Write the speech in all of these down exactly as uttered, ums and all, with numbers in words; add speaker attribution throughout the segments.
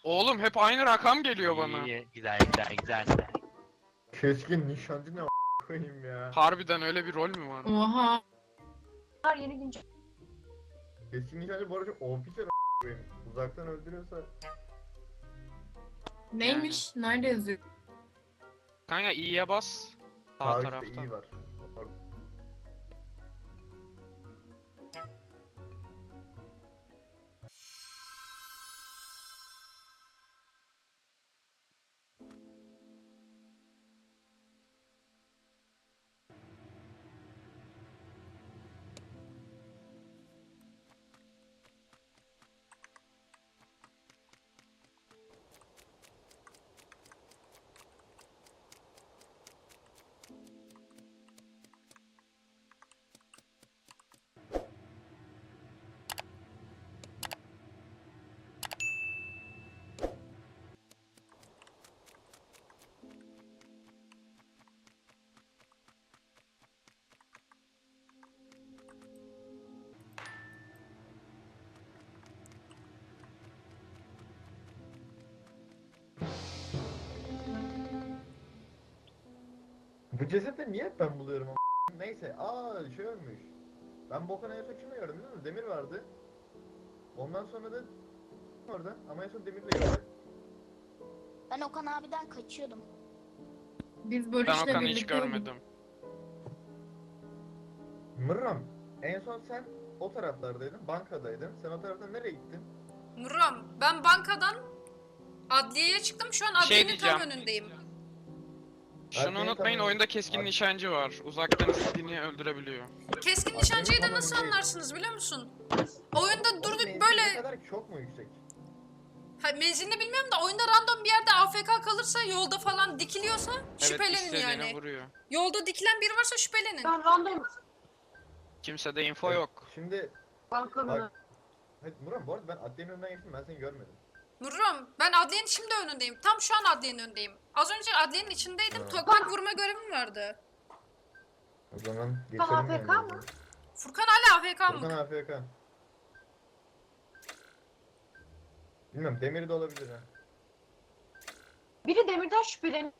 Speaker 1: Oğlum hep aynı rakam geliyor bana.
Speaker 2: İyi, güzel güzel güzel.
Speaker 3: Keskin nişancı ne a- koyayım ya.
Speaker 1: Harbiden öyle bir rol mü var?
Speaker 4: Oha.
Speaker 5: Yeni güncel.
Speaker 3: Keskin nişancı bu arada officer a- koyayım. Uzaktan öldürüyorsa
Speaker 4: Neymiş? Nerede yazıyor?
Speaker 1: Kanka iyiye bas. Sağ
Speaker 3: sağ üstte
Speaker 1: tarafta.
Speaker 3: iyi var. Bu cesedi niye hep ben buluyorum ama? Neyse, aa şey ölmüş. Ben Bokan'a en son kimi gördüm değil mi? Demir vardı. Ondan sonra da orada ama en son Demir'le gördüm.
Speaker 6: Ben Okan abiden kaçıyordum.
Speaker 4: Biz
Speaker 1: Ben
Speaker 4: Barış'la
Speaker 1: Okan'ı hiç
Speaker 4: birlikte
Speaker 1: görmedim.
Speaker 3: Mırram, en son sen o taraflardaydın, bankadaydın. Sen o taraftan nereye gittin?
Speaker 5: Muram, ben bankadan adliyeye çıktım. Şu an
Speaker 1: Şey
Speaker 5: adliyenin tam
Speaker 1: diyeceğim.
Speaker 5: önündeyim.
Speaker 1: Şunu
Speaker 3: Adliye
Speaker 1: unutmayın,
Speaker 3: tamam.
Speaker 1: oyunda keskin
Speaker 3: Ad-
Speaker 1: nişancı var. Uzaktan istediğini öldürebiliyor.
Speaker 5: Keskin
Speaker 3: Adliyenin
Speaker 5: nişancıyı da
Speaker 3: tam
Speaker 5: nasıl
Speaker 3: önündeyim.
Speaker 5: anlarsınız biliyor musun? Oyunda durduk
Speaker 3: Menzili
Speaker 5: böyle...
Speaker 3: Ne kadar çok mu yüksek?
Speaker 5: Ha, menzilini bilmiyorum da oyunda random bir yerde A F K kalırsa, yolda falan dikiliyorsa
Speaker 1: Evet,
Speaker 5: şüphelenin
Speaker 1: istediğini
Speaker 5: yani.
Speaker 1: vuruyor.
Speaker 5: Yolda dikilen biri varsa şüphelenin.
Speaker 7: Ben random
Speaker 1: Kimsede info yok.
Speaker 3: Şimdi,
Speaker 7: bankanın.
Speaker 3: bak. Evet Murat, bu arada ben adliyenin önünden geçtim, ben seni görmedim.
Speaker 5: Muram, ben adliyenin şimdi önündeyim. Tam şu an adliyenin önündeyim. Az önce adliyenin içindeydim.
Speaker 3: Ha.
Speaker 5: Tokmak vurma görevim vardı.
Speaker 3: O zaman
Speaker 7: Tamam,
Speaker 3: geçelim
Speaker 7: A F K
Speaker 3: yani.
Speaker 7: mı?
Speaker 5: Furkan hala A F K
Speaker 3: Buradan
Speaker 5: mı?
Speaker 3: A F K. Bilmem, Demir de olabilir ha.
Speaker 7: Biri Demir'den şüpheleniyor.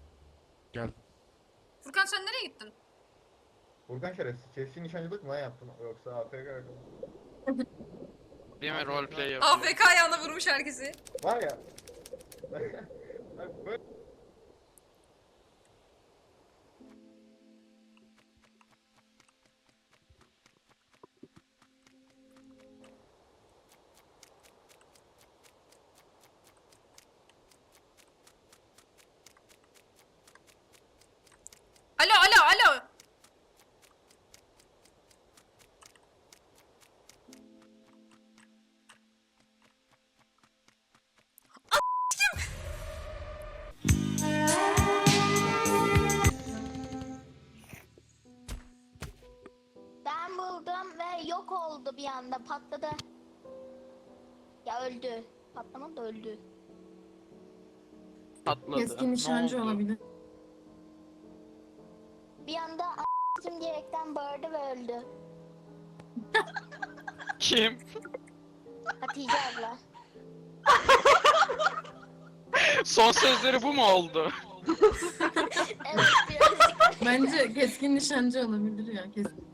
Speaker 5: Furkan sen nereye gittin?
Speaker 3: Furkan şerefsiz, keskin nişancılık mı lan yaptın yoksa A F K?
Speaker 1: Değil mi? Roleplay
Speaker 5: A
Speaker 1: yapıyor.
Speaker 5: F K ayağına vurmuş herkesi.
Speaker 3: Var ya. Bak böyle.
Speaker 5: Alo alo alo.
Speaker 6: Ben buldum ve yok oldu bir anda, patladı. Ya öldü. Patlamadı da öldü.
Speaker 1: Atladı.
Speaker 4: Keskin
Speaker 1: Ne
Speaker 4: nişancı
Speaker 1: oldu?
Speaker 4: olabilir.
Speaker 6: Bir anda a**cım diyerekten bağırdı ve öldü.
Speaker 1: Kim?
Speaker 6: Hatice abla.
Speaker 1: Son sözleri bu mu oldu?
Speaker 6: Evet, birazcık.
Speaker 4: Bence keskin nişancı olabilir ya. Kesin.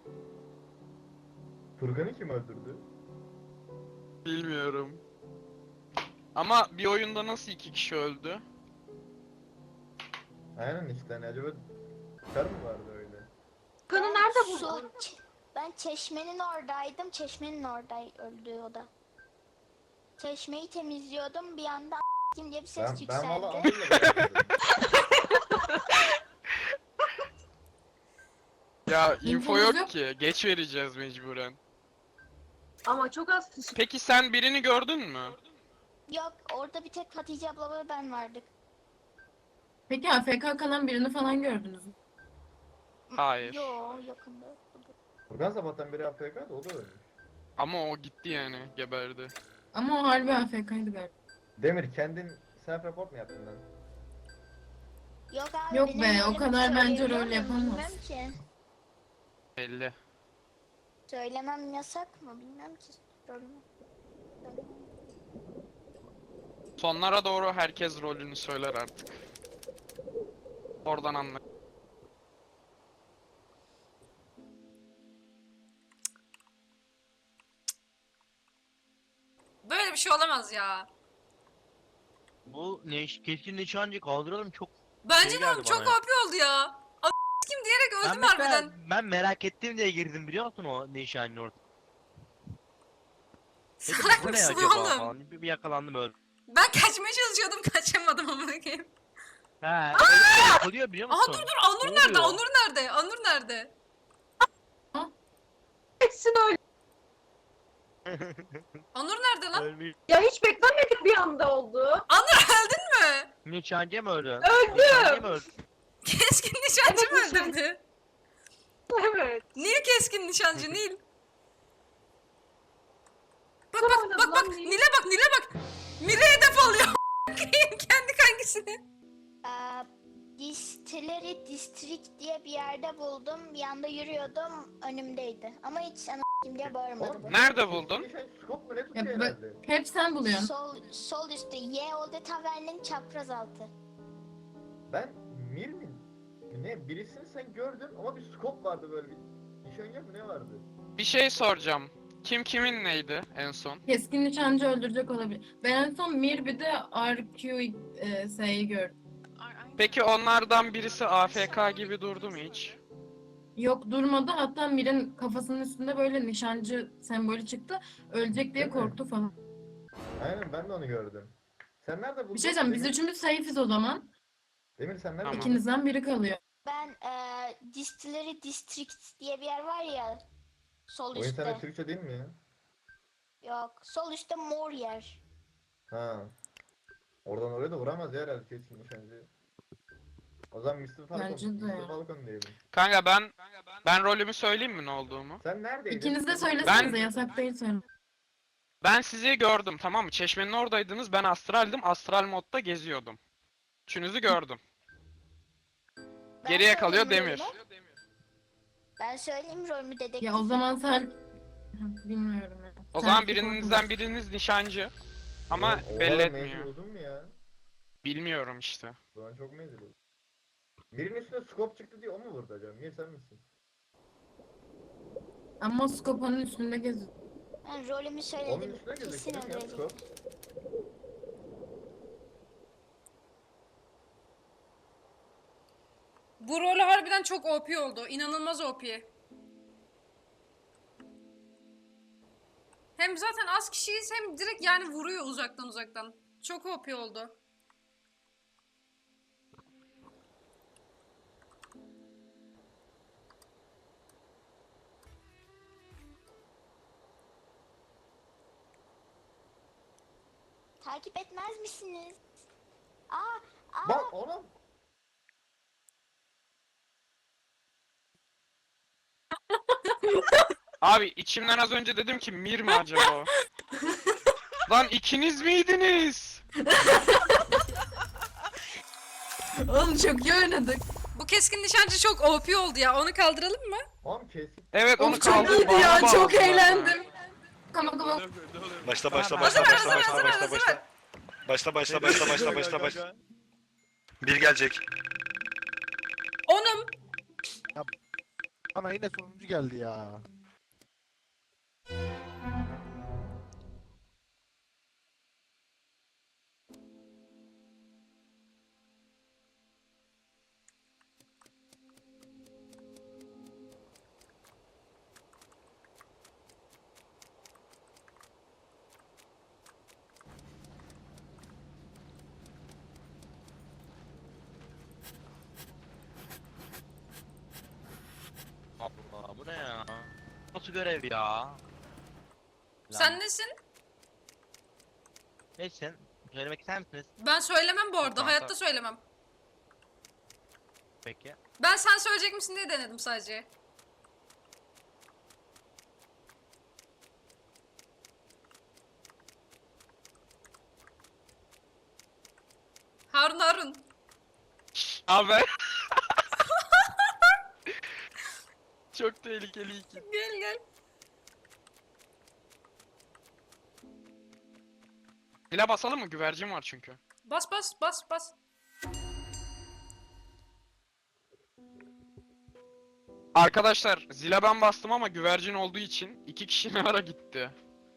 Speaker 3: Furkan'ı kim öldürdü?
Speaker 1: Bilmiyorum. Ama bir oyunda nasıl iki kişi öldü?
Speaker 3: Aynen işte, hani acaba kar mı vardı öyle?
Speaker 7: Kanı
Speaker 6: Ben
Speaker 7: nerede
Speaker 6: su-
Speaker 7: buldun?
Speaker 6: ç- Ben çeşmenin oradaydım. Çeşmenin orada öldü o da. Çeşmeyi temizliyordum. Bir anda a**cım diye bir ses
Speaker 3: Ben, ben valla
Speaker 6: yükseldi.
Speaker 3: Anıl'la beraberdim.
Speaker 1: Ya info
Speaker 4: İnfomuz
Speaker 1: yok
Speaker 4: yok.
Speaker 1: ki. Geç vereceğiz mecburen.
Speaker 7: Ama çok az kişi.
Speaker 1: Peki sen birini gördün mü?
Speaker 6: Yok, orada bir tek Hatice abla ve ben vardık.
Speaker 4: Peki A F K kalan birini falan gördünüz mü?
Speaker 1: Hayır.
Speaker 6: Yo, yakında.
Speaker 3: Furkan sabahtan beri A F K'da, o da ölmüş.
Speaker 1: Ama o gitti yani. Geberdi.
Speaker 4: Ama o harbi A F K'ydı galiba.
Speaker 3: Demir, kendin self report mu yaptın lan?
Speaker 6: Yok abi,
Speaker 4: Yok
Speaker 6: benim
Speaker 4: be, o
Speaker 6: rolümü
Speaker 4: kadar bence
Speaker 6: söyleyebiliyor
Speaker 4: rol
Speaker 6: muyum
Speaker 4: yapamaz.
Speaker 6: Bilmem ki.
Speaker 1: Belli.
Speaker 6: Söylemem yasak mı? Bilmem ki. Rolümü.
Speaker 1: Sonlara doğru herkes rolünü söyler artık. Oradan anla.
Speaker 5: Böyle bir şey olamaz ya.
Speaker 2: Bu ne keskin nişancı kaldıralım çok.
Speaker 5: Bence
Speaker 2: Şey
Speaker 5: de oğlum
Speaker 2: geldi
Speaker 5: çok
Speaker 2: bana ya.
Speaker 5: O P oldu ya. A kim diyerek
Speaker 2: Ben
Speaker 5: öldüm
Speaker 2: mesela
Speaker 5: harbiden.
Speaker 2: ben merak ettim diye girdim biliyor musun o nişancı orada. Dedim,
Speaker 5: Salak
Speaker 2: bu ne
Speaker 5: mısın
Speaker 2: acaba
Speaker 5: oğlum?
Speaker 2: falan. Bir, bir yakalandım öyle.
Speaker 5: Ben kaçmaya çalışıyordum kaçamadım amına koyayım.
Speaker 2: He. öyle yapılıyor biliyor
Speaker 5: Aha
Speaker 2: musun?
Speaker 5: dur dur Anur
Speaker 2: Ne
Speaker 5: nerede?
Speaker 2: oluyor?
Speaker 5: Anur nerede? Anur nerede?
Speaker 7: Hepsini öyle.
Speaker 5: Anur nerede lan?
Speaker 2: Ölmüş.
Speaker 7: Ya hiç beklenmedik bir anda oldu.
Speaker 5: Anur öldün mü?
Speaker 2: Nişancı mı öldü?
Speaker 7: Öldüm.
Speaker 2: Nişancı mı öldü?
Speaker 5: Keskin nişancı mı
Speaker 7: Evet, nişan-
Speaker 5: öldürdü?
Speaker 7: Evet.
Speaker 5: Nil keskin nişancı Nil. Bak
Speaker 7: Kim
Speaker 5: bak
Speaker 7: oynadı
Speaker 5: bak bak
Speaker 7: lan Nil?
Speaker 5: Nil'e bak Nil'e bak. Mire hedef alıyor. Kendi kangisini.
Speaker 6: Ee, Distillery District diye bir yerde buldum. Bir anda yürüyordum, önümdeydi. Ama hiç ana kim diye bağırmadı bu.
Speaker 1: Nerede buldun?
Speaker 3: Nişan scope mu ne
Speaker 4: Ya
Speaker 3: tutuyor
Speaker 4: bö-
Speaker 3: herhalde?
Speaker 4: hep sen buluyorsun.
Speaker 6: Sol, sol üstte Y Olde Tavern'in çapraz altı.
Speaker 3: Ben Mir mi? Ne? Birisini sen gördün ama bir scope vardı böyle bir. Nişancı mı ne vardı?
Speaker 1: Bir şey soracağım. Kim kimin neydi en son?
Speaker 4: Keskin nişancı öldürecek olabilir. Ben en son Mir bir de R Q e, S'yi gördüm.
Speaker 1: Peki onlardan birisi A F K gibi durdu mu hiç?
Speaker 4: Yok durmadı. Hatta Mir'in kafasının üstünde böyle nişancı sembolü çıktı. Ölecek diye
Speaker 3: Değil mi?
Speaker 4: korktu falan.
Speaker 3: Aynen ben de onu gördüm. Sen nerede buldun?
Speaker 4: Bir şey diyeceğim. Biz
Speaker 3: Demir?
Speaker 4: üçümüz safe'iz o zaman.
Speaker 3: Demir sen nerede
Speaker 1: Tamam.
Speaker 3: buldun?
Speaker 4: İkinizden biri kalıyor.
Speaker 6: Ben eee Distillery District diye bir yer var ya. Sol
Speaker 3: O internet
Speaker 6: üstte.
Speaker 3: Türkçe değil mi ya?
Speaker 6: Yok. Sol üstte mor yer.
Speaker 3: Ha. Oradan oraya da vuramaz ya herhalde keskin nişancı. O zaman mister Falcon.
Speaker 4: Bence de
Speaker 3: mister
Speaker 4: ya.
Speaker 3: Falcon diyelim.
Speaker 1: Kanka ben ben rolümü söyleyeyim mi ne olduğumu?
Speaker 3: Sen neredeydin?
Speaker 4: İkiniz de söylesenize
Speaker 1: Ben-
Speaker 4: yasak değil söyle.
Speaker 1: Ben sizi gördüm tamam mı? Çeşmenin oradaydınız. Ben astraldim. Astral modda geziyordum. Üçünüzü gördüm.
Speaker 6: Ben
Speaker 1: Geriye kalıyor
Speaker 6: söyleyeyim
Speaker 1: Demir.
Speaker 6: rolümü. Ben söyleyeyim rolümü dedektif.
Speaker 4: Ya o zaman sen... Hı, bilmiyorum ya.
Speaker 1: O
Speaker 4: Sen
Speaker 1: zaman
Speaker 4: çok
Speaker 1: birinizden
Speaker 4: korkma.
Speaker 1: biriniz nişancı. Ama
Speaker 3: Oha,
Speaker 1: belli
Speaker 3: menzil
Speaker 1: etmiyor.
Speaker 3: uzun mu ya?
Speaker 1: Bilmiyorum işte.
Speaker 3: O zaman çok menzil uzun. Mir'in üstüne scope çıktı diye o mu vurdu acaba? Mir sen misin?
Speaker 4: Ama skopanın üstünde geziyor.
Speaker 6: Ben rolümü
Speaker 3: Onun
Speaker 6: söyledim.
Speaker 3: üstüne
Speaker 6: Kesin
Speaker 3: gözüktü ya
Speaker 6: öldürecek.
Speaker 3: scope.
Speaker 5: Bu rol harbiden çok O P oldu. İnanılmaz O P. Hem zaten az kişiyiz hem direkt yani vuruyor uzaktan uzaktan. Çok O P oldu.
Speaker 6: Takip etmez misiniz? Aa, aa.
Speaker 3: Bak oğlum.
Speaker 1: Abi içimden az önce dedim ki Mir mi acaba o? Lan ikiniz miydiniz?
Speaker 4: Oğlum çok iyi oynadık.
Speaker 5: Bu keskin nişancı çok O P oldu ya. Onu kaldıralım mı?
Speaker 3: Oğlum keskin.
Speaker 1: Evet onu
Speaker 4: Of çok
Speaker 1: kaldır.
Speaker 4: iyiydi ya. Çok eğlendim. Come on, come on.
Speaker 8: Başla başla
Speaker 2: Hazır,
Speaker 8: başla
Speaker 5: hazır,
Speaker 8: başla
Speaker 5: hazır,
Speaker 8: başla
Speaker 5: hazır,
Speaker 8: başla
Speaker 5: hazır.
Speaker 8: başla. Başla başla başla başla başla başla. Bir gelecek.
Speaker 5: Onum.
Speaker 9: Bana yine sonuncu geldi ya.
Speaker 2: Allah bu ne ya? Nasıl görev ya? Lan.
Speaker 5: Sen nesin?
Speaker 2: Neyse. Söylemek ister misiniz?
Speaker 5: Ben söylemem bu arada.
Speaker 2: Tamam,
Speaker 5: Hayatta
Speaker 2: tamam.
Speaker 5: söylemem.
Speaker 2: Peki.
Speaker 5: Ben sen söyleyecek misin diye denedim sadece. Harun Harun.
Speaker 1: Abi. Çok tehlikeli iki.
Speaker 5: Gel gel.
Speaker 1: Zile basalım mı? Güvercin var çünkü.
Speaker 5: Bas bas bas bas.
Speaker 1: Arkadaşlar zile ben bastım ama güvercin olduğu için iki kişi ne ara gitti?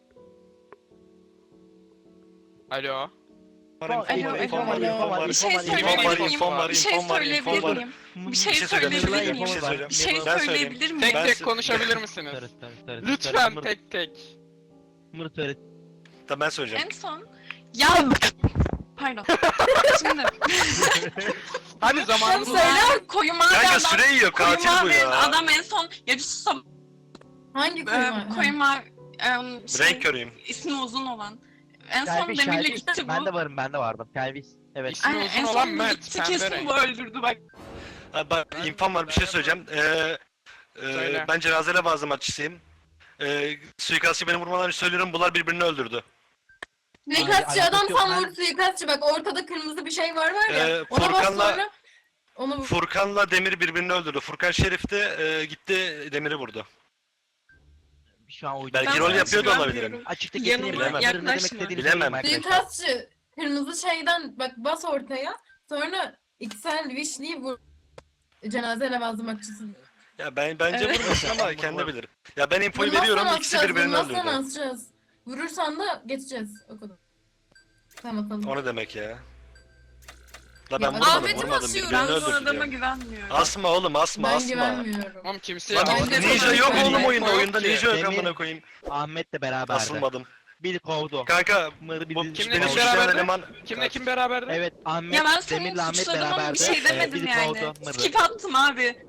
Speaker 1: Alo.
Speaker 8: Alo,
Speaker 2: infom var,
Speaker 8: alo.
Speaker 2: infom var,
Speaker 10: Bir şey
Speaker 2: infom var,
Speaker 8: İnfom var,
Speaker 10: söyleyebilir miyim?
Speaker 8: infom var,
Speaker 10: Bir şey
Speaker 8: infom var,
Speaker 10: söyleyebilir
Speaker 8: infom var.
Speaker 10: miyim?
Speaker 2: Bir
Speaker 10: Bir şey
Speaker 8: söyleyebilir
Speaker 10: söyleyebilir
Speaker 8: miyim?
Speaker 10: miyim?
Speaker 8: Bir şey söyleyeceğim.
Speaker 10: Bir şey
Speaker 8: Ben
Speaker 10: söyleyebilir
Speaker 8: söyleyeyim.
Speaker 10: miyim?
Speaker 1: Tek
Speaker 8: Ben
Speaker 1: tek
Speaker 8: sö-
Speaker 1: konuşabilir misiniz?
Speaker 2: Tarıs, tarıs, tarıs,
Speaker 1: Lütfen
Speaker 2: tarıs,
Speaker 1: tek tek.
Speaker 2: mır tarıs.
Speaker 8: Tamam ben söyleyeceğim.
Speaker 10: En son ya pardon. Şimdi
Speaker 1: Hadi zamanımız var.
Speaker 10: söyle koyu mavi
Speaker 8: Kanka
Speaker 10: adam.
Speaker 8: süre yiyor,
Speaker 10: Koyu
Speaker 8: katil bu
Speaker 10: mavi
Speaker 8: ya.
Speaker 10: adam en son ya bir sus.
Speaker 4: Hangi
Speaker 10: Ee,
Speaker 4: koyma?
Speaker 10: koyu mavi em, şey,
Speaker 8: Renk körüyüm.
Speaker 10: ismi uzun olan. En son
Speaker 2: Kelviş,
Speaker 10: Demir'le
Speaker 2: Kelviş.
Speaker 10: gitti bu.
Speaker 2: Ben de varım, ben de vardım. Kelviş. Evet.
Speaker 1: İsmi
Speaker 10: Aynen,
Speaker 1: uzun
Speaker 10: en
Speaker 1: olan
Speaker 10: son
Speaker 1: Mert,
Speaker 10: gitti
Speaker 1: pembe
Speaker 10: kesin
Speaker 1: renk.
Speaker 10: bu öldürdü bak.
Speaker 8: Ha, bak infom var, bir şey söyleyeceğim. Ee, e,
Speaker 1: Söyle.
Speaker 8: ben cenazele bazı maççısıyım. Ee, suikastçı beni vurmadan önce söylüyorum, bunlar birbirini öldürdü.
Speaker 4: Suikastçı
Speaker 2: Ay,
Speaker 4: adam
Speaker 2: alakası yok.
Speaker 4: tam
Speaker 2: Ben-
Speaker 4: vurdu suikastçı bak ortada kırmızı bir şey var var ya.
Speaker 8: Ee,
Speaker 4: Ona bas
Speaker 8: Furkan'la-
Speaker 4: sonra. Onu vur.
Speaker 8: Furkan'la Demir birbirini öldürdü. Furkan Şerif de e, gitti Demir'i vurdu.
Speaker 2: Şu an uydu.
Speaker 8: Belki
Speaker 10: Ben
Speaker 8: rol
Speaker 10: sana
Speaker 8: yapıyor da
Speaker 10: güvenmiyorum.
Speaker 8: olabilirim.
Speaker 2: Açıkta
Speaker 10: Yanıma
Speaker 2: getireyim. Bilemem. Ne demek
Speaker 10: yaklaşma.
Speaker 2: istediğini
Speaker 8: Bilemem.
Speaker 2: söyleyeyim arkadaşlar.
Speaker 4: Suikastçı kırmızı şeyden bak bas ortaya. Sonra iksel vişliği vur. Cenaze levazımatçısı.
Speaker 8: Ya ben bence
Speaker 10: Evet.
Speaker 8: vurmasın ama kendi bilir. Ya ben infoyu
Speaker 4: Vurmazsan
Speaker 8: veriyorum, ikisi
Speaker 4: asacağız,
Speaker 8: birbirini
Speaker 4: vurmazsan
Speaker 8: öldürdü.
Speaker 4: asacağız. Vurursan da geçeceğiz. O kadar. Tamam bakalım.
Speaker 8: O ne demek ya? La
Speaker 4: Ya
Speaker 8: ben vurmadım,
Speaker 5: Ahmet'i
Speaker 8: vurmadım.
Speaker 5: basıyorum.
Speaker 8: Birbirini
Speaker 10: Ben bu
Speaker 8: öldürdü
Speaker 10: adama
Speaker 8: diyor.
Speaker 10: güvenmiyorum.
Speaker 8: Asma oğlum, asma,
Speaker 4: Ben
Speaker 8: asma.
Speaker 4: güvenmiyorum.
Speaker 1: Oğlum kimseye
Speaker 8: Lan
Speaker 4: Ben de
Speaker 8: ninja
Speaker 4: sana
Speaker 8: yok oğlum
Speaker 4: güvenmiyorum.
Speaker 8: oyunda, oyunda
Speaker 1: Yok
Speaker 8: ninja yok
Speaker 2: ki.
Speaker 8: amına koyayım.
Speaker 2: Ahmet'le beraberdi.
Speaker 8: Asılmadım.
Speaker 2: Bir kovdu.
Speaker 8: Kanka
Speaker 2: Mırı bir
Speaker 8: bu
Speaker 2: dizi-
Speaker 1: Kimle
Speaker 8: beni
Speaker 1: kim
Speaker 8: suçlayan
Speaker 1: beraberdi?
Speaker 8: eleman...
Speaker 1: Kimle kim beraberdi?
Speaker 2: Evet, Ahmet,
Speaker 10: Ya ben seni
Speaker 2: Demir'le Ahmet
Speaker 10: suçladım ama bir
Speaker 2: beraberdi.
Speaker 10: şey
Speaker 2: Ee,
Speaker 10: demedim
Speaker 2: biri
Speaker 10: yani.
Speaker 2: kovdu, Mırı.
Speaker 10: Skip attım abi.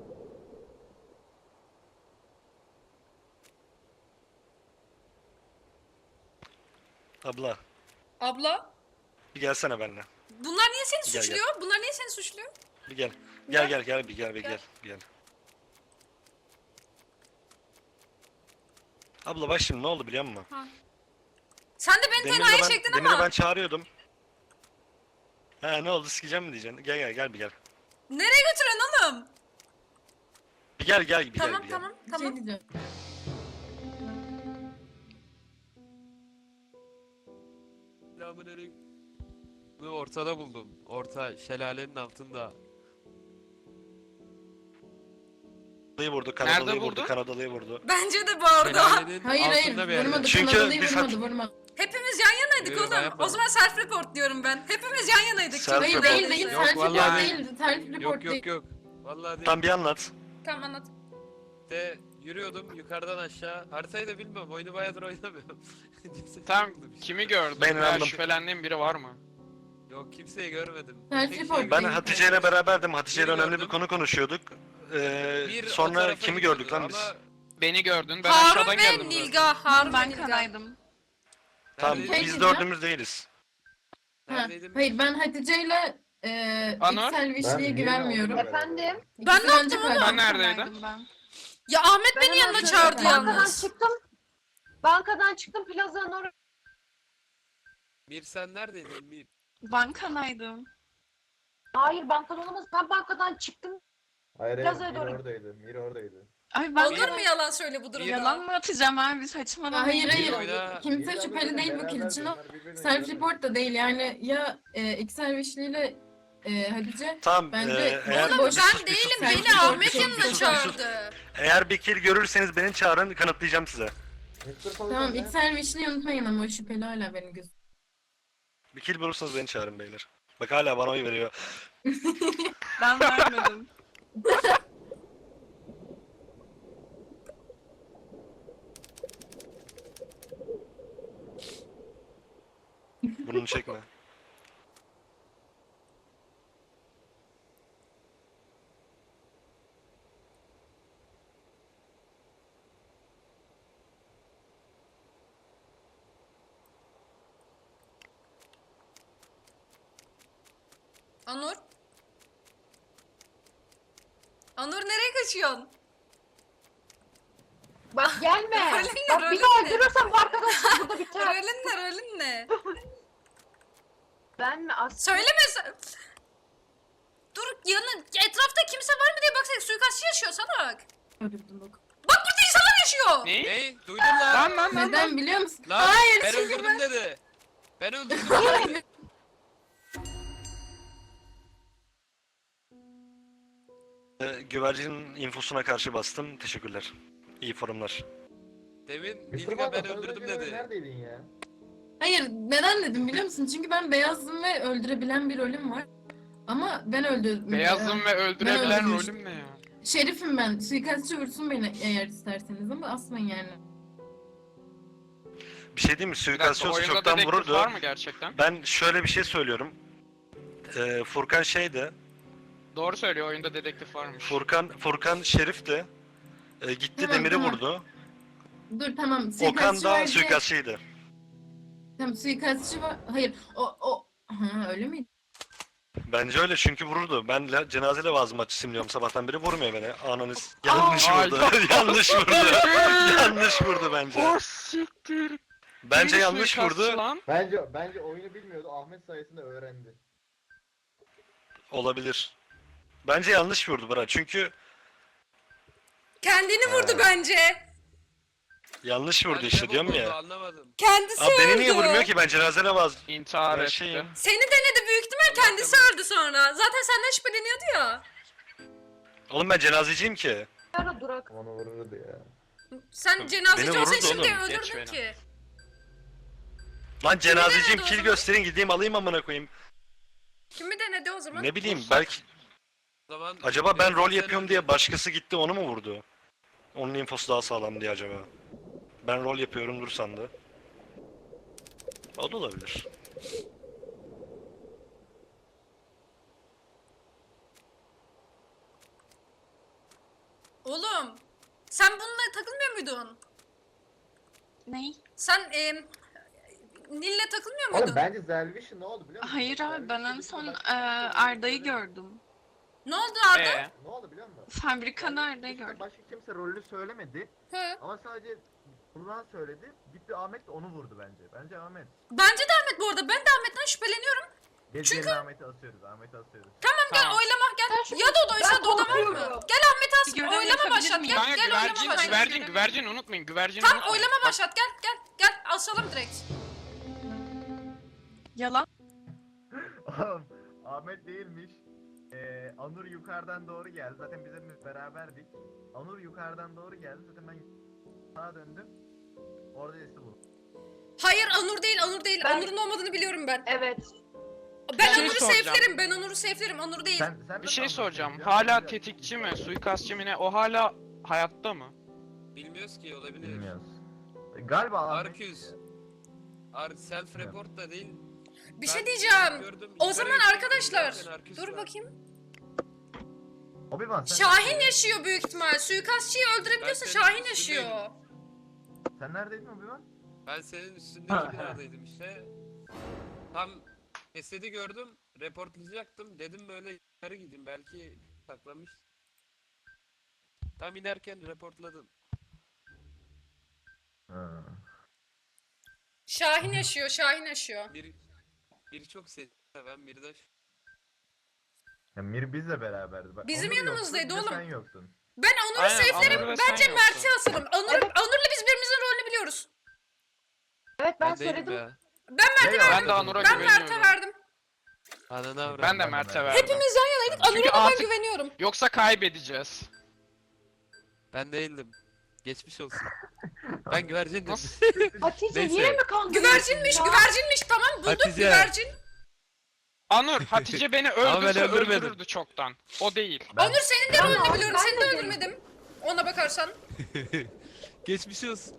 Speaker 8: Abla
Speaker 5: Abla.
Speaker 8: bir gelsene benimle.
Speaker 5: Bunlar niye seni
Speaker 8: Gel, gel.
Speaker 5: suçluyor? Bunlar niye seni suçluyor?
Speaker 8: Bir gel. Gel gel gel bir gel bir gel. Bir gel. Abla bak şimdi ne oldu biliyor musun?
Speaker 5: Sen de beni
Speaker 8: Demir'le
Speaker 5: tenhaya
Speaker 8: ben,
Speaker 5: çektin
Speaker 8: Demir'le
Speaker 5: ama.
Speaker 8: ben çağırıyordum. Ha ne oldu, sikeceğim mi diyeceksin? Gel gel gel bir gel.
Speaker 5: Nereye götürüyorsun oğlum?
Speaker 8: Bir gel gel bir gel
Speaker 5: Tamam
Speaker 8: bir gel.
Speaker 5: tamam
Speaker 4: Bir şey
Speaker 5: tamam.
Speaker 4: diyeceğim.
Speaker 11: Selamünaleyküm. Bunu ortada buldum. Orta şelalenin altında.
Speaker 8: Kanadalıyı vurdu, Kanadalıyı vurdu,
Speaker 1: buldun?
Speaker 8: Kanadalıyı vurdu.
Speaker 5: Bence de bu arada.
Speaker 11: Şelalenin
Speaker 4: Hayır hayır
Speaker 11: altında bir yerde.
Speaker 4: vurmadı.
Speaker 8: Çünkü
Speaker 4: Kanadalıyı
Speaker 8: biz
Speaker 4: vurmadı
Speaker 8: hat-
Speaker 4: vurmadı.
Speaker 5: Hepimiz yan yanaydık
Speaker 11: Yok, ben
Speaker 5: oğlum.
Speaker 11: yapmadım.
Speaker 5: O zaman self report diyorum ben. Hepimiz yan yanaydık.
Speaker 8: Self
Speaker 4: Hayır
Speaker 8: report.
Speaker 4: değil değil.
Speaker 11: Yok,
Speaker 4: Self
Speaker 11: vallahi
Speaker 4: report
Speaker 11: değil.
Speaker 4: değil. Self report
Speaker 11: Yok
Speaker 4: değil.
Speaker 11: yok yok. Vallahi değil.
Speaker 8: Tam bir anlat.
Speaker 5: Tamam anlat.
Speaker 11: De yürüyordum yukarıdan aşağı. Haritayı da bilmiyorum. Oyunu bayağıdır oynamıyorum. Kimse
Speaker 1: Tamam
Speaker 11: buldu bir şey.
Speaker 1: kimi gördün?
Speaker 8: Ben
Speaker 1: Veya
Speaker 8: inandım.
Speaker 1: şüphelendiğin biri var mı?
Speaker 11: Yok kimseyi görmedim.
Speaker 4: Self
Speaker 11: Tek
Speaker 4: report
Speaker 11: şey
Speaker 8: Ben
Speaker 4: değil.
Speaker 8: Hatice ile beraberdim. Hatice ile
Speaker 11: Bir
Speaker 8: önemli bir
Speaker 11: gördüm.
Speaker 8: konu konuşuyorduk. Ee,
Speaker 11: Bir o
Speaker 8: sonra
Speaker 11: tarafa
Speaker 8: kimi
Speaker 11: gidiyordu
Speaker 8: gördük lan biz?
Speaker 11: ama
Speaker 1: Beni gördün. Ben
Speaker 5: Harun
Speaker 1: aşağıdan
Speaker 5: ve
Speaker 1: geldim zaten.
Speaker 5: Nilga. Harun ve
Speaker 10: Ben
Speaker 5: Nilga.
Speaker 10: kanaydım.
Speaker 8: Tamam
Speaker 11: neredeydin?
Speaker 8: biz
Speaker 4: Peki,
Speaker 8: dördümüz değiliz.
Speaker 4: Ha,
Speaker 11: Neredeydin?
Speaker 4: hayır ben Hatice ile eee
Speaker 1: Anor?
Speaker 4: iksel vişliğe güvenmiyorum.
Speaker 7: Efendim?
Speaker 5: Ben
Speaker 4: İkisi
Speaker 5: ne
Speaker 4: bence
Speaker 5: yaptım
Speaker 4: katil.
Speaker 1: Ben neredeydim?
Speaker 10: Kanaydım ben.
Speaker 5: Ya Ahmet
Speaker 7: Ben
Speaker 5: beni
Speaker 7: hemen
Speaker 5: yanına
Speaker 7: şöyle-
Speaker 5: çağırdı
Speaker 7: Bankadan
Speaker 5: yalnız.
Speaker 7: çıktım. Bankadan çıktım plazanın oraya.
Speaker 11: Mir sen neredeydin Mir?
Speaker 10: Ben kanaydım.
Speaker 7: Hayır bankadan olamaz. Ben bankadan çıktım.
Speaker 3: Hayır
Speaker 7: Biraz
Speaker 3: hayır,
Speaker 7: öyle
Speaker 3: Mir
Speaker 7: doğru.
Speaker 3: oradaydı. Mir oradaydı.
Speaker 10: Ay ben
Speaker 5: Olur mu yalan söyle bu durumda?
Speaker 10: yalan mı atacağım abi saçmalama.
Speaker 4: Hayır hayır.
Speaker 11: oyna-
Speaker 4: Kimse
Speaker 3: Mir
Speaker 4: şüpheli
Speaker 3: abla
Speaker 4: değil bu
Speaker 3: beraber
Speaker 4: kill için. o.
Speaker 3: bunlar birbirine
Speaker 4: Self
Speaker 3: güvenmiyor.
Speaker 4: report da değil yani ya e, iksel vişli ile e, Hatice.
Speaker 8: Tamam
Speaker 4: Bence-
Speaker 8: ee, eğer
Speaker 5: Oğlum
Speaker 4: boş-
Speaker 8: bir sus,
Speaker 5: ben
Speaker 8: bir
Speaker 5: değilim.
Speaker 8: sus, bir
Speaker 4: Sen
Speaker 5: Beni
Speaker 8: sus,
Speaker 4: report
Speaker 5: Ahmet
Speaker 8: bir sus,
Speaker 5: yanına
Speaker 8: bir sus, bir sus.
Speaker 5: çağırdı.
Speaker 8: Eğer bir kill görürseniz beni çağırın, kanıtlayacağım size.
Speaker 3: mister Polat
Speaker 4: Tamam
Speaker 3: nerede?
Speaker 4: iksel vişliyi unutmayın ama o şüpheli hala benim gözüm.
Speaker 8: Bir kill bulursanız beni çağırın beyler. Bak hala bana oy veriyor.
Speaker 10: Ben vermedim.
Speaker 8: Burnunu çekme.
Speaker 5: Anur? Anur nereye kaçıyorsun?
Speaker 7: Bak gelme.
Speaker 5: Rolün ne,
Speaker 7: Bak
Speaker 5: rolün
Speaker 7: bir daha
Speaker 5: ne?
Speaker 7: öldürürsem bu arkadaş burada biter.
Speaker 5: Rolün ne rolün ne?
Speaker 7: Ben mi as?
Speaker 5: Söyleme sen. Dur yanın etrafta kimse var mı diye baksana suikastçı yaşıyor salak.
Speaker 4: Öldürdüm bak.
Speaker 5: Bak burada insanlar yaşıyor.
Speaker 1: Ne?
Speaker 11: Hey duydun lan.
Speaker 1: Lan lan lan.
Speaker 4: Neden biliyor musun?
Speaker 11: Lan
Speaker 4: Hayır
Speaker 11: ben
Speaker 4: çünkü
Speaker 11: öldürdüm
Speaker 4: ben...
Speaker 11: dedi. Ben öldürdüm.
Speaker 8: Ee, güvercinin infosuna karşı bastım. Teşekkürler. İyi forumlar.
Speaker 11: Demin
Speaker 3: Mr.
Speaker 11: Nilga
Speaker 3: Baba
Speaker 11: ben
Speaker 3: sen az
Speaker 11: öldürdüm
Speaker 3: önce
Speaker 11: dedi.
Speaker 3: neredeydin ya?
Speaker 4: Hayır, neden dedim biliyor musun? Çünkü ben beyazdım ve öldürebilen bir rolüm var. Ama ben öldürdüm.
Speaker 1: Beyazım ve öldürebilen
Speaker 4: öldürmüştüm.
Speaker 1: rolüm ne ya?
Speaker 4: Şerifim ben. Suikastçı vursun beni eğer isterseniz ama asmayın yani.
Speaker 8: Bir şey diyeyim mi?
Speaker 1: Bir dakika,
Speaker 8: Suikastçı olsa
Speaker 1: oyunda
Speaker 8: çoktan
Speaker 1: dedektif
Speaker 8: vururdu.
Speaker 1: var mı gerçekten?
Speaker 8: Ben şöyle bir şey söylüyorum. Ee, Furkan şeydi.
Speaker 1: Doğru söylüyor, oyunda dedektif varmış.
Speaker 8: Furkan Furkan Şerif de e, gitti
Speaker 4: Tamam,
Speaker 8: Demir'i
Speaker 4: tamam.
Speaker 8: vurdu.
Speaker 4: Dur tamam.
Speaker 8: Okan
Speaker 4: Suikastçı
Speaker 8: da
Speaker 4: var diye-
Speaker 8: suikastçıydı.
Speaker 4: Tamam suikastçı var. Hayır o o. Ha öyle miydi?
Speaker 8: Bence öyle çünkü vururdu. Ben la, cenaze levazım açısıyım diyorum sabahtan beri vurmuyor beni. Ananız yanlış
Speaker 1: Aa,
Speaker 8: vurdu.
Speaker 1: ay.
Speaker 8: yanlış vurdu. yanlış vurdu bence.
Speaker 1: Oh siktir.
Speaker 8: Bence
Speaker 1: Kim
Speaker 8: yanlış
Speaker 1: suikastçı
Speaker 8: vurdu.
Speaker 1: lan?
Speaker 3: Bence bence oyunu bilmiyordu. Ahmet sayesinde öğrendi.
Speaker 8: Olabilir. Bence yanlış vurdu bana çünkü
Speaker 5: Kendini vurdu
Speaker 8: Ha.
Speaker 5: bence.
Speaker 8: yanlış vurdu
Speaker 11: Ben
Speaker 8: işte
Speaker 11: ne
Speaker 8: diyorum
Speaker 11: oldu
Speaker 8: ya.
Speaker 11: Anlamadım.
Speaker 5: Kendisi
Speaker 8: Abi beni
Speaker 5: öldü.
Speaker 8: niye vurmuyor ki ben cenaze levaz.
Speaker 1: İntihar
Speaker 8: Ben
Speaker 1: etti.
Speaker 8: şeyim.
Speaker 5: Seni denedi büyük ihtimal kendisi öldü sonra. Zaten senden şüpheleniyordu ya.
Speaker 8: Oğlum ben cenazeciyim ki.
Speaker 7: Ara durak.
Speaker 3: Onu vururdu ya.
Speaker 5: Sen cenazeci
Speaker 8: Beni
Speaker 5: olsa
Speaker 8: vururdu
Speaker 5: şimdi
Speaker 8: oğlum,
Speaker 1: geç
Speaker 5: öldürdün
Speaker 1: beni.
Speaker 5: ki.
Speaker 8: Lan cenazeciyim
Speaker 5: denedi o
Speaker 8: kill
Speaker 5: zaman?
Speaker 8: gösterin gideyim alayım amına koyayım.
Speaker 5: Kimi denedi o zaman?
Speaker 8: Ne bileyim belki
Speaker 11: O zaman
Speaker 8: acaba ben rol
Speaker 11: sen
Speaker 8: yapıyorum
Speaker 11: öldürdün.
Speaker 8: diye başkası gitti onu mu vurdu? Onun infosu daha sağlam diye acaba. Ben rol yapıyorumdur sandı. O da olabilir.
Speaker 5: Oğlum sen bununla takılmıyor muydun?
Speaker 10: Ney?
Speaker 5: Sen e, Nil'le takılmıyor muydun?
Speaker 3: Oğlum bence Zelviş'in ne oldu biliyor musun?
Speaker 10: Hayır abi ben en
Speaker 3: Zelviş'in
Speaker 10: son
Speaker 3: bir
Speaker 10: e,
Speaker 3: başka-
Speaker 10: Arda'yı gördüm.
Speaker 5: Ne oldu Arda?
Speaker 1: Ee,
Speaker 3: Ne oldu biliyor musun?
Speaker 10: Fabrikada Arda'yı
Speaker 3: Zelviş'in
Speaker 10: gördüm.
Speaker 3: Başka kimse rolünü söylemedi.
Speaker 5: Hı.
Speaker 3: Ama sadece Burhan söyledi. Gitti Ahmet de onu vurdu bence. Bence Ahmet.
Speaker 5: Bence de Ahmet bu arada. Ben de Ahmet'ten şüpheleniyorum.
Speaker 3: Gel
Speaker 5: Çünkü-
Speaker 3: Çünkü... Ahmet'i asıyoruz. Ahmet'i asıyoruz.
Speaker 5: Tamam gel
Speaker 1: Tamam.
Speaker 5: oylama gel. Ya Dodo'ysa Dodo var mı?
Speaker 7: korkuyorum.
Speaker 5: Gel Ahmet'i as.
Speaker 10: Bir görev
Speaker 5: Oylama
Speaker 10: yapabilir
Speaker 5: başlat.
Speaker 10: miyim?
Speaker 5: Gel
Speaker 1: kanka
Speaker 5: gel oylama
Speaker 1: güvercin,
Speaker 5: başlat.
Speaker 1: güvercin, güvercin unutmayın, güvercin
Speaker 5: Tamam
Speaker 1: unutmayın.
Speaker 5: oylama
Speaker 1: Bak,
Speaker 5: başlat. Gel gel gel asalım direkt.
Speaker 10: Yalan.
Speaker 3: Oğlum Ahmet değilmiş. Ee, Anur yukarıdan doğru geldi. Zaten biz hepimiz beraberdik. Anur yukarıdan doğru geldi. Zaten ben sağa döndüm. Orada Esi buldum.
Speaker 5: Hayır Anur değil Anur değil.
Speaker 7: Ben-
Speaker 5: Anur'un olmadığını biliyorum ben.
Speaker 7: Evet.
Speaker 5: Ben
Speaker 1: Bir şey
Speaker 5: Anur'u
Speaker 1: soracağım.
Speaker 5: safe'lerim. Ben Anur'u safe'lerim. Anur değil.
Speaker 3: Sen, sen
Speaker 1: Bir
Speaker 3: nasıl
Speaker 1: şey
Speaker 3: Anur'u
Speaker 1: soracağım.
Speaker 3: biliyorsun?
Speaker 1: Hala
Speaker 3: Ben
Speaker 1: tetikçi mi,
Speaker 3: bilmiyorum.
Speaker 1: suikastçı mı ne? O hala hayatta mı?
Speaker 11: Bilmiyoruz ki olabilir.
Speaker 3: Bilmiyoruz. E, Galiba Ahmet.
Speaker 11: Arcus. Ar self report da değil.
Speaker 5: Bir
Speaker 11: Ben
Speaker 5: şey diyeceğim.
Speaker 11: gördüm,
Speaker 5: O
Speaker 11: yukarı
Speaker 5: zaman
Speaker 11: gittim,
Speaker 5: arkadaşlar.
Speaker 11: zaten Arcus
Speaker 5: Dur
Speaker 11: var.
Speaker 5: bakayım.
Speaker 3: Obi-Wan sen
Speaker 5: Şahin
Speaker 3: neredeydin?
Speaker 5: yaşıyor büyük ihtimal. Suikastçıyı öldürebiliyorsa
Speaker 11: Ben senin
Speaker 5: Şahin
Speaker 11: üstündeyim.
Speaker 5: yaşıyor.
Speaker 3: Sen neredeydin Obi-Wan?
Speaker 11: Ben senin üstündeki binadaydım işte. Tam cesedi gördüm. Reportlayacaktım. Dedim böyle yukarı gideyim. Belki saklamış. Tam inerken reportladım.
Speaker 3: Ha.
Speaker 5: Şahin yaşıyor. Şahin yaşıyor.
Speaker 11: Bir bir çok seven bir de
Speaker 3: Ya Mir bizle beraberdi. Bak,
Speaker 5: Bizim
Speaker 3: Onur yoktu,
Speaker 5: yanımızdaydı
Speaker 3: bir de
Speaker 5: oğlum.
Speaker 3: Sen yoktun.
Speaker 5: Ben Onur'u
Speaker 1: Aynen,
Speaker 5: safe'lerim.
Speaker 1: Onur ve sen
Speaker 5: Bence
Speaker 1: yoksun.
Speaker 5: Mert'i asalım. Onur, Onur'la biz birimizin rolünü biliyoruz.
Speaker 7: Evet ben,
Speaker 11: ben değilim
Speaker 7: söyledim.
Speaker 11: ya.
Speaker 5: Ben Mert'e
Speaker 3: Ya,
Speaker 1: Ben de Anur'a
Speaker 5: Ben Mert'e
Speaker 1: güveniyorum.
Speaker 5: verdim.
Speaker 11: Ananı avradım.
Speaker 1: Ben de
Speaker 3: Ben de
Speaker 1: Mert'e
Speaker 3: Mert'e.
Speaker 1: verdim.
Speaker 5: Hepimiz yan yanaydık.
Speaker 1: Çünkü
Speaker 5: Anur'a ben
Speaker 1: artık-
Speaker 5: güveniyorum.
Speaker 1: Yoksa kaybedeceğiz.
Speaker 11: Ben değildim. Geçmiş olsun. Ben güvercindim.
Speaker 1: Nasıl?
Speaker 7: Hatice
Speaker 11: Neyse.
Speaker 7: yine mi kandırdın?
Speaker 5: Güvercinmiş,
Speaker 7: ya?
Speaker 5: güvercinmiş. Tamam bulduk
Speaker 11: Hatice.
Speaker 5: güvercin.
Speaker 1: Anur, Hatice beni
Speaker 11: Ama ben
Speaker 1: öldürse
Speaker 11: öldürmedim.
Speaker 1: öldürürdü çoktan. O değil.
Speaker 3: Ben-
Speaker 5: Onur senin de
Speaker 7: Ben-
Speaker 5: rolünü biliyorum.
Speaker 7: ben
Speaker 5: Seni de
Speaker 7: de
Speaker 5: öldürmedim. Ona bakarsan.
Speaker 11: Geçmiş olsun.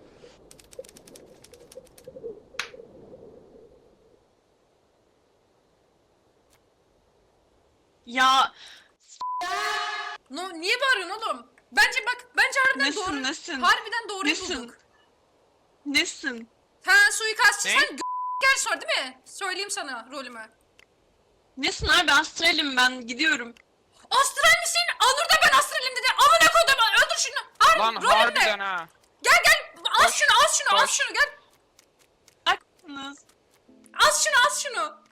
Speaker 10: Ya
Speaker 5: No, niye bağırıyorsun oğlum? Bence bak, bence harbiden doğru.
Speaker 10: nesin nesin?
Speaker 5: Harbiden doğruyu
Speaker 10: Nesin?
Speaker 5: bulduk.
Speaker 10: Nesin?
Speaker 5: Ha suikastçı
Speaker 1: Ne?
Speaker 5: sen g- gel sor değil mi? Söyleyeyim sana rolümü.
Speaker 10: Nesin abi astralim ben gidiyorum.
Speaker 5: Astral misin? Anur da ben astralim dedi. Amına kodum öldür şunu. Har
Speaker 1: Lan
Speaker 5: rolüm
Speaker 1: harbiden
Speaker 5: ne?
Speaker 1: ha.
Speaker 5: Gel gel az
Speaker 1: Koş,
Speaker 5: şunu az şunu az
Speaker 1: koş.
Speaker 5: şunu gel.
Speaker 10: Haklısınız.
Speaker 5: Az şunu az şunu.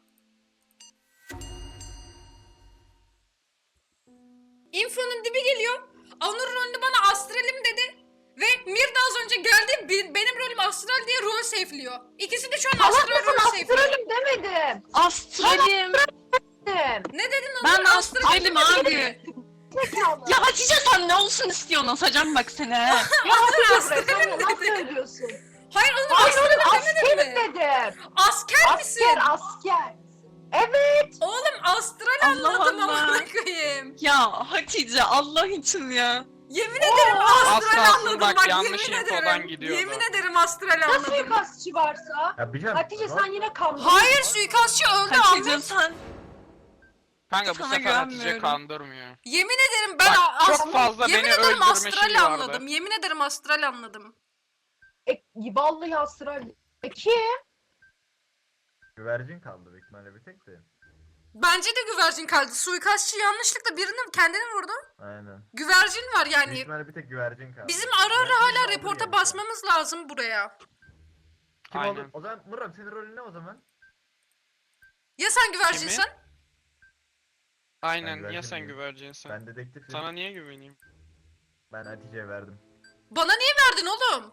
Speaker 5: Info'nun dibi geliyor. Anur rolünü bana astralim dedi. Ve Mir de az önce önce geldi be- benim rolüm astral diye rol safe'liyor. İkisi de şu an
Speaker 7: Salak
Speaker 5: astral
Speaker 7: mısın?
Speaker 5: rol safe'liyor.
Speaker 7: Astralim demedim.
Speaker 10: Astralim.
Speaker 7: Dedim.
Speaker 5: Ne dedin o
Speaker 10: Ben
Speaker 5: zaman? Astral
Speaker 10: astralim abi.
Speaker 7: Zekalı.
Speaker 10: Ya Hatice sen ne olsun istiyorsun? Asacağım bak seni he.
Speaker 7: Ya Hatice
Speaker 5: astralim
Speaker 7: buraya sen nasıl
Speaker 5: dedi.
Speaker 7: söylüyorsun?
Speaker 5: Hayır oğlum
Speaker 7: Hayır
Speaker 5: astralim
Speaker 7: oğlum
Speaker 5: demedim
Speaker 7: askerim
Speaker 5: mi?
Speaker 7: dedim.
Speaker 5: Asker misin?
Speaker 7: Asker asker. Evet.
Speaker 5: Oğlum astral
Speaker 10: Allah
Speaker 5: anladım
Speaker 10: Allah.
Speaker 5: amına koyayım.
Speaker 10: Ya Hatice Allah için ya.
Speaker 5: Yemin ederim astral
Speaker 1: Asla
Speaker 5: anladım
Speaker 1: bak,
Speaker 5: bak
Speaker 1: yanlış
Speaker 5: yemin
Speaker 1: infodan
Speaker 5: ederim.
Speaker 1: gidiyordu.
Speaker 5: Yemin ederim astral
Speaker 7: Nasıl
Speaker 5: anladım.
Speaker 7: suikastçı varsa?
Speaker 3: Ya bir can.
Speaker 7: Hatice sen yine kandın.
Speaker 5: Hayır suikastçı öldü
Speaker 10: Hatice
Speaker 5: Ahmet.
Speaker 10: sen.
Speaker 1: Kanka bu
Speaker 10: Sana
Speaker 1: sefer Hatice
Speaker 10: güvenmiyorum.
Speaker 1: kandırmıyor.
Speaker 5: Yemin ederim ben
Speaker 1: Bak,
Speaker 5: a-
Speaker 1: çok
Speaker 5: ast-
Speaker 1: fazla
Speaker 5: yemin
Speaker 1: beni
Speaker 5: ederim
Speaker 1: öldürme
Speaker 5: astral
Speaker 1: şeyi vardı.
Speaker 5: anladım. Yemin ederim astral anladım.
Speaker 7: E, vallahi astral. E kim?
Speaker 3: Güvercin kaldı büyük ihtimalle bir tek de.
Speaker 5: Bence de güvercin kaldı. Suikastçı yanlışlıkla birini kendini vurdu.
Speaker 3: Aynen.
Speaker 5: Güvercin var
Speaker 3: Büyük
Speaker 5: yani.
Speaker 3: ihtimalle bir tek güvercin kaldı.
Speaker 5: Bizim ara ara
Speaker 3: Güvercin
Speaker 5: hala
Speaker 3: kaldı
Speaker 5: reporta
Speaker 3: yani.
Speaker 5: basmamız lazım buraya.
Speaker 3: Kim
Speaker 1: Aynen.
Speaker 3: oldu? O zaman Murat senin rolün ne o zaman?
Speaker 5: Ya sen güvercinsen?
Speaker 1: Aynen
Speaker 3: güvercin
Speaker 1: ya sen
Speaker 3: miyim?
Speaker 1: güvercinsin.
Speaker 3: Ben dedektifim.
Speaker 1: Sana niye güveneyim?
Speaker 3: Ben Hatice'ye verdim.
Speaker 5: Bana niye verdin oğlum?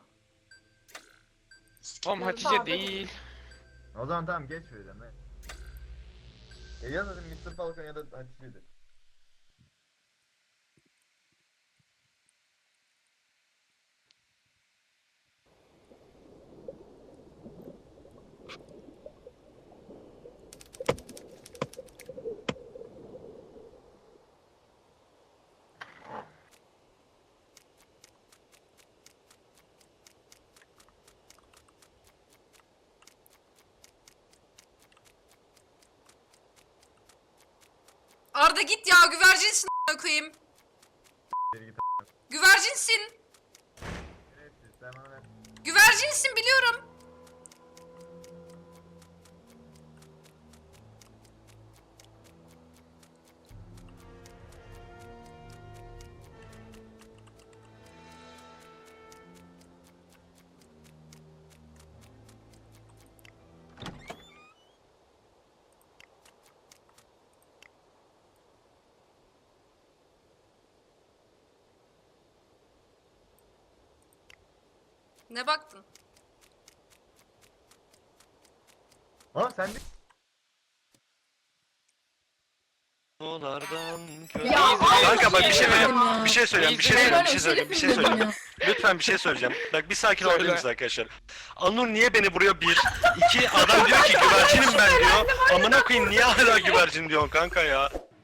Speaker 1: Oğlum Hatice
Speaker 7: Abi.
Speaker 1: değil.
Speaker 3: O zaman tamam geç öyle ne? Ya yaz dedim mister Falcon ya da Hatice'dir.
Speaker 5: Arda git ya güvercinsin a**ına koyayım.
Speaker 3: Geri git.
Speaker 5: Güvercinsin.
Speaker 3: Şerefsiz, sen bana ver.
Speaker 5: Güvercinsin biliyorum. Ne baktın?
Speaker 3: Aa sen de
Speaker 8: Olardan
Speaker 7: Ya,
Speaker 8: Kanka bak bir şey
Speaker 4: Allah'ım ya.
Speaker 8: bir şey söyleyeceğim, bir şey
Speaker 1: İzleyelim.
Speaker 8: söyleyeceğim, bir şey söyleyeceğim, bir şey söyleyeceğim. Lütfen bir şey söyleyeceğim. Bak bir sakin olabilir
Speaker 1: Söyle.
Speaker 8: misiniz arkadaşlar? Anur niye beni vuruyor bir? İki adam diyor ki güvercinim ben diyor. Amına koyayım niye hala güvercin diyorsun kanka ya?